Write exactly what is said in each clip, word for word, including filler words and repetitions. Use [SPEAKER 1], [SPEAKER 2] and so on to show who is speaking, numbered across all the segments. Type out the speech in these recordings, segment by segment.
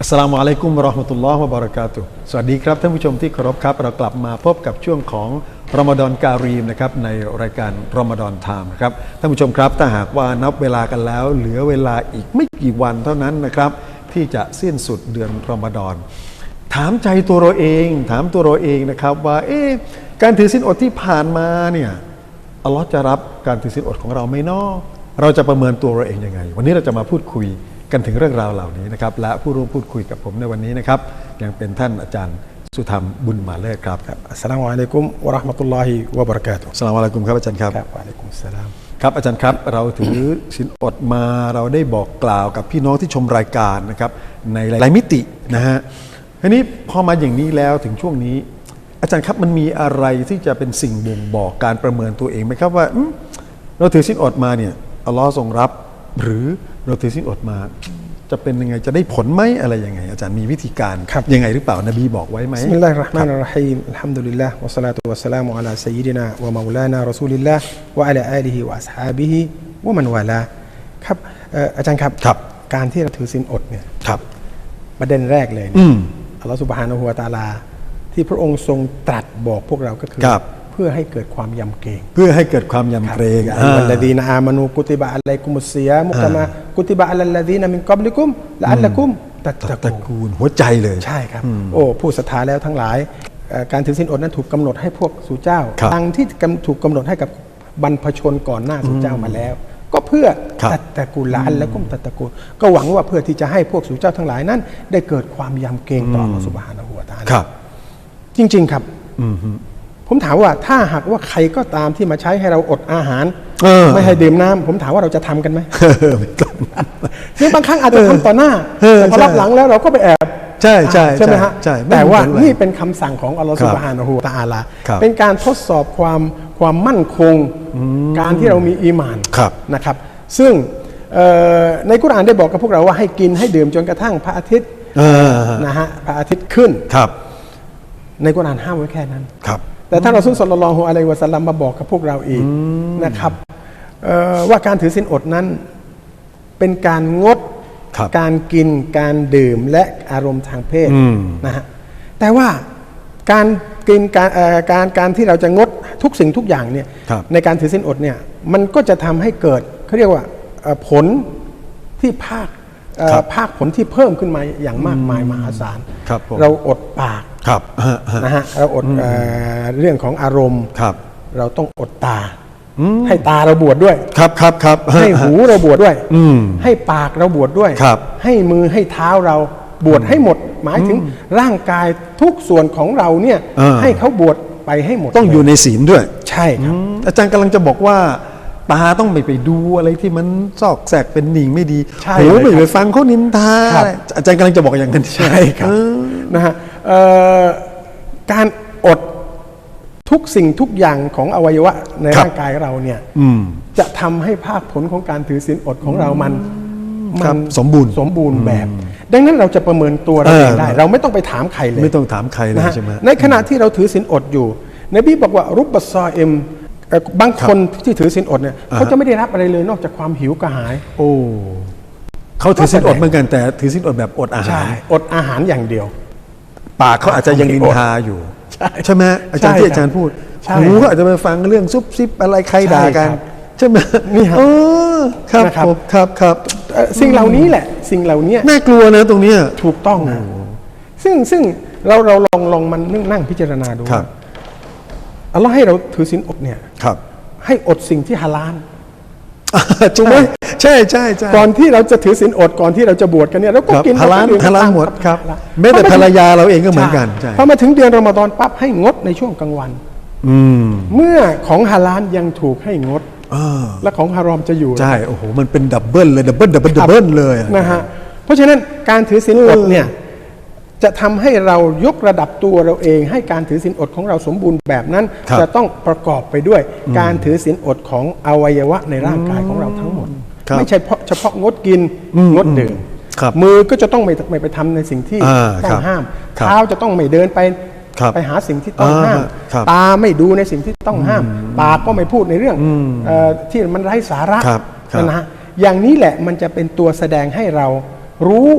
[SPEAKER 1] อัสสลามุอะลัยกุมวะเราะห์มะตุลลอฮ์วะบะเราะกาตุฮ์สวัสดีครับท่านผู้ชมที่เคารพครับเรากลับมาพบกับช่วงของรอมฎอนการีมนะครับในรายการรอมฎอนไทม์นะครับท่านผู้ชมครับถ้าหากว่านับเวลากันแล้วเหลือเวลาอีกไม่กี่วันเท่านั้นนะครับที่จะสิ้นสุดเดือนรอมฎอนถามใจตัวเราเองถามตัวเราเองนะครับว่าเอ๊ะการถือศีลอดที่ผ่านมาเนี่ยอัลลอฮ์จะรับการถือศีลอดของเราไหมเนาะเราจะประเมินตัวเราเองยังไงวันนี้เราจะมาพูดคุยกันถึงเรื่องราวเหล่านี้นะครับและผู้ร่วมพูดคุยกับผมในวันนี้นะครับยังเป็นท่านอาจารย์สุธรรมบุญมาเลิศครับ
[SPEAKER 2] อัสสลามุอะลัยกุมวะเราะห์มะตุลลอฮิวะบะเราะกาตุฮ์
[SPEAKER 1] อัสสลามุอะลัยกุมครับอาจารย์ครับ
[SPEAKER 2] ครับวะอะลัยกุมสสลาม
[SPEAKER 1] ครับอาจารย์ครับเราถือศีลอดมาเราได้บอกกล่าวกับพี่น้องที่ชมรายการนะครับในหลายมิตินะฮะทีนี้พอมาอย่างนี้แล้วถึงช่วงนี้อาจารย์ครับมันมีอะไรที่จะเป็นสิ่งบ่งบอกการประเมินตัวเองไหมครับว่าเราถือศีลอดมาเนี่ยอัลลอฮ์ทรงรับหรือเราถือศีลอดมาจะเป็นยังไงจะได้ผลไหมอะไรยังไงอาจารย์มีวิธีการยังไงหรือเปล่านบีบอกไว้ไหม
[SPEAKER 2] บิสมิลลาฮิรเราะห์มานิรเราะฮีมอัลฮัมดุลิลลาห์วะศอลาตุวะสสลามุอะลาซัยยิดินาวะเมาลานารอซูลิลลาห์วะอะลาอาลิฮิวะอัศฮาบิฮิวะมันวาลาครับอาจารย์ครับการที่เราถือศีลอดเนี่ยประเด็นแรกเลยอัลลอฮฺซุบฮานะฮูวะตะอาลาที่พระองค์ทรงตรัสบอกพวกเราก็คือเพื่อให้เกิดความยำเกรง
[SPEAKER 1] เพื่อให้เกิดความยำเกรง
[SPEAKER 2] วัลลดีนอามานูกุติบะอะลัยกุมุสซิยามุกะมากุติบะอะลัลลดีนมินกับลิกุมละอัลละกุมตัตตะกูน
[SPEAKER 1] หัวใจเลย
[SPEAKER 2] ใช่ครับโอ้ผู้ศรัทธาแล้วทั้งหลายการถือศีลอดนั้นถูกกำหนดให้พวกสู่เจ้าดังที่ถูกกำหนดให้กับบรรพชนก่อนหน้าสู่เจ้ามาแล้วก็เพื่อตัตตะกูลละอัลละกุมตัตตะกูนก็หวังว่าเพื่อที่จะให้พวกสู่เจ้าทั้งหลายนั้นได้เกิดความยำเกรงต่ออัลเลาะห์ซุบฮานะฮูวะตะอาลาจริงๆครับผมถามว่าถ้าหากว่าใครก็ตามที่มาใช้ให้เราอดอาหารไม่ให้ดื่มน้ำผมถามว่าเราจะทำกันไหมซึ่งบางครั้งอาจจะทำต่อหน้าแต่พอรับหลังแล้วเราก็ไปแอบ
[SPEAKER 1] ใช่ใช่
[SPEAKER 2] ใช่ไหมฮะแต่ว่านี่เป็นคำสั่งของอัลลอฮฺซุบฮานะฮูวะตะอาลาเป็นการทดสอบความความมั่นคงการที่เรามีอีหม่านนะครับซึ่งในกุรอานได้บอกกับพวกเราว่าให้กินให้ดื่มจนกระทั่งพระอาทิตย์นะฮะพระอาทิตย์ขึ้นในกุรอานห้ามไว้แค่นั้นแต่ท่านรอซูล ศ็อลลัลลอฮุอะลัยฮิวะซัลลัมมาบอกกับพวกเราอีกนะครับว่าการถือศีลอดนั้นเป็นการงดการกินการดื่มและอารมณ์ทางเพศนะฮะแต่ว่าการกินการการการที่เราจะงดทุกสิ่งทุกอย่างเนี่ยในการถือศีลอดเนี่ยมันก็จะทำให้เกิดเขาเรียกว่าผลที่ภาคภาคผลที่เพิ่มขึ้นมาอย่างมากมายมหาศาลเราอดปากนะฮะเราอดเรื่องของอารมณ์เราต้องอดตาให้ตาเราบวชด้วย
[SPEAKER 1] ครับครับครับ
[SPEAKER 2] ให้หูเราบวชด้วยให้ปากเราบวชด้วยให้มือให้เท้าเราบวชให้หมดหมายถึงร่างกายทุกส่วนของเราเนี่ยให้เขาบวชไปให้หมด
[SPEAKER 1] ต้องอยู่ในศีลด้วย
[SPEAKER 2] ใช่ครับ
[SPEAKER 1] อาจารย์กำลังจะบอกว่าตาต้องไม่ไปดูอะไรที่มันซอกแซกเป็นหนิงไม่ดีหูไม่ไปฟังเขานินทาอาจารย์กำลังจะบอกอย่างนั้น
[SPEAKER 2] ใช่ครับนะฮะการอดทุกสิ่งทุกอย่างของอวัยวะในร่างกายเราเนี่ยจะทำให้ภาคผลของการถือศีลอดของเรามัน
[SPEAKER 1] มันสมบูรณ์
[SPEAKER 2] สมบูรณ์แบบดังนั้นเราจะประเมินตัวเราเองได้เราไม่ต้องไปถามใครเลย
[SPEAKER 1] ไม่ต้องถามใครเลยใช่ไหม
[SPEAKER 2] ในขณะที่เราถือศีลอดอยู่นบีบอกว่ารุบบัสซอเอ็มบางคนที่ถือศีลอดเนี่ยเขาจะไม่ได้รับอะไรเลยนอกจากความหิวกระหาย
[SPEAKER 1] โอ้เขาถือศีลอดเหมือนกันแต่ถือศีลอดแบบอดอาหาร
[SPEAKER 2] อดอาหารอย่างเดียว
[SPEAKER 1] ปากเขาอาจจะยังนินทาอยู่ใช่ไหมอาจารย์ที่อาจารย์พูดหูเขาอาจจะไปฟังเรื่องซุบซิบอะไรใครด่ากันใช่ไหม
[SPEAKER 2] นี่ครับ
[SPEAKER 1] ครับครับครับ
[SPEAKER 2] สิ่งเหล่านี้แหละสิ่งเหล่านี้
[SPEAKER 1] น่ากลัวนะตรงนี้
[SPEAKER 2] ถูกต้องนะซึ่งซึ่งเราเราลองลองมันนั่งพิจารณาดูอัลลอฮ์ให้เราถือศีลอดเนี่ยให้อดสิ่งที่ฮาลาล
[SPEAKER 1] ถูกไหมใช่ใช่ใช่
[SPEAKER 2] ก่อนที่เราจะถือศีลอดก่อนที่เราจะบวชกันเนี่ยเราก็กิน
[SPEAKER 1] ฮาลาลฮาลาลหมดครับแม้แต่ภรรยาเราเองก็เหมือนกัน
[SPEAKER 2] พอมาถึงเดือนรอมฎอนปั๊บให้งดในช่วงกลางวันเมื่อของฮาลาลยังถูกให้งดและของฮารอมจะอยู่
[SPEAKER 1] ใช่โอ้โหมันเป็นดับเบิลเลยดับเบิลดับเบิลดับเบิลเลย
[SPEAKER 2] นะฮะเพราะฉะนั้นการถือศีลอดเนี่ยจะทำให้เรายกระดับตัวเราเองให้การถือศีลอดของเราสมบูรณ์แบบนั้นจะต้องประกอบไปด้วยการถือศีลอดของอวัยวะในร่างกายของเราทั้งหมดไม่ใช่เฉพาะงดกินงดดื่มมือก็จะต้องไม่ไม่ไปทำในสิ่งที่ต้องห้ามเท้าจะต้องไม่เดินไปไปหาสิ่งที่ต้องห้ามตาไม่ดูในสิ่งที่ต้องห้ามปากก็ไม่พูดในเรื่องที่มันไร้สาระนะฮะอย่างนี้แหละมันจะเป็นตัวแสดงให้เรารู้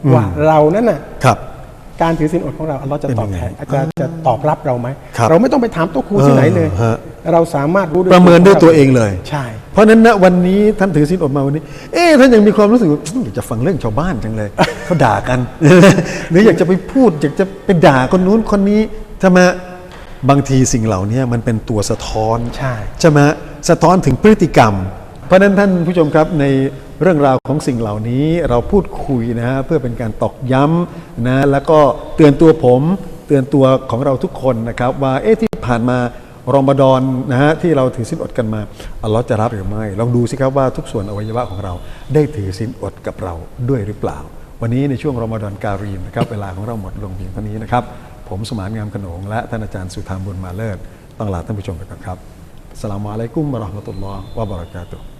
[SPEAKER 2] ว่าเรานั้นน่ะ
[SPEAKER 1] ครับ
[SPEAKER 2] การถือศีลอดของเราอัลเลาะห์จะตอบแทน
[SPEAKER 1] เป็นยังไง
[SPEAKER 2] จะจะตอบรับเราไหม
[SPEAKER 1] ครับ
[SPEAKER 2] เราไม่ต้องไปถามโต๊ะครูที่ไหนเลย
[SPEAKER 1] เออฮะ
[SPEAKER 2] เราสามารถรู้ด้วย
[SPEAKER 1] ประเมินด้วยตัวเองเลย
[SPEAKER 2] ใช่
[SPEAKER 1] เพราะฉะนั้นณวันนี้ท่านถือศีลอดมาวันนี้ เอ๊ะท่านยังมีความรู้สึกว่าอยากจะฟังเรื่องชาวบ้านจังเลย เขาด่ากัน หรืออยากจะไปพูดอยากจะไปด่าคนนู้นคนนี้ใช่ไหมบางทีสิ่งเหล่านี้มันเป็นตัวสะท้อน
[SPEAKER 2] ใช่
[SPEAKER 1] ใช่ไหมสะท้อนถึงพฤติกรรม เพราะฉะนั้นท่านผู้ชมครับในเรื่องราวของสิ่งเหล่านี้เราพูดคุยนะฮะเพื่อเป็นการตอกย้ำนะแล้วก็เตือนตัวผมเตือนตัวของเราทุกคนนะครับว่าเอ๊ะที่ผ่านมารอมฎอนนะฮะที่เราถือศีลอดกันมาอัลเลาะห์จะรับหรือไม่ลองดูสิครับว่าทุกส่วนอวัยวะของเราได้ถือศีลอดกับเราด้วยหรือเปล่า วันนี้ในช่วงรอมฎอนการีมนะครับเวลาของเราหมดลงเพียงเท่านี้นะครับผมสมานงามขนงและท่านอาจารย์สุธามบุญมาเลิศต้องลาท่านผู้ชมไปก่อนครับอัสสลามุอะลัยกุมวะเราะห์มะตุลลอฮ์วะบะเราะกาตุฮ์